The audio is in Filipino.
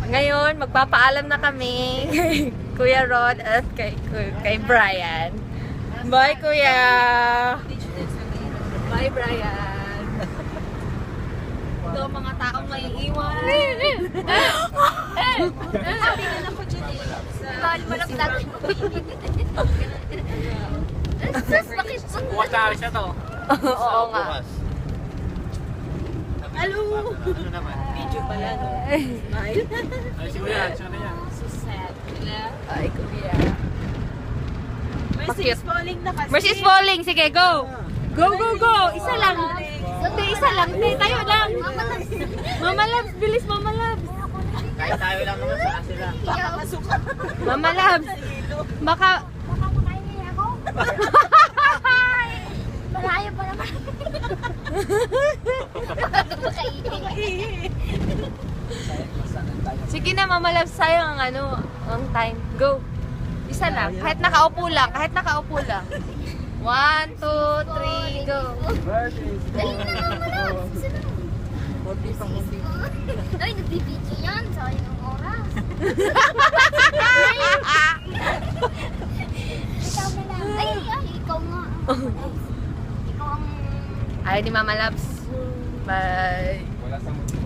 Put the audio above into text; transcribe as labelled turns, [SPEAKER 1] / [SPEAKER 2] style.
[SPEAKER 1] Ngayon, magpapaalam na kami kay Kuya Rod at kay Brian. Bye, Kuya! Bye, Brian! Ito, mga taong may iwan.
[SPEAKER 2] Sabi nga lang po dyan eh. Bawal mo lang natin. Sus, bakit?
[SPEAKER 3] Bukas na alis na to.
[SPEAKER 1] Oo nga.
[SPEAKER 3] Bukas.
[SPEAKER 2] Hello!
[SPEAKER 3] Ano naman?
[SPEAKER 2] Video pala, no? Smile.
[SPEAKER 3] Ay, siguro yan. Siya na yan.
[SPEAKER 2] So sad. Wala.
[SPEAKER 1] Ay, Kuya.
[SPEAKER 2] Mercy is falling na kasi.
[SPEAKER 1] Mercy is falling! Sige, go! Go, go, go! Isa lang! Hindi, isa lang. Hindi, tayo lang. Mama Labs, bilis Mama Labs.
[SPEAKER 3] Kahit tayo lang naman sa sila.
[SPEAKER 2] Baka masuka.
[SPEAKER 1] Mama Labs. Baka...
[SPEAKER 2] Baka makain niya ako. Malayo pa naman.
[SPEAKER 1] Sige na, Mama Labs, sayang ang ang time. Go! Isa lang. Kahit nakaupo lang. Kahit nakaupo lang. 1, 2, 3, go!
[SPEAKER 2] Dali na naman. Ay, nagbibidyo yan. Sayang ang oras. Ikaw na lang. Ay, ikaw nga. Ikaw ang...
[SPEAKER 1] Ay, di Mama Labs. Bye!
[SPEAKER 3] Wala sa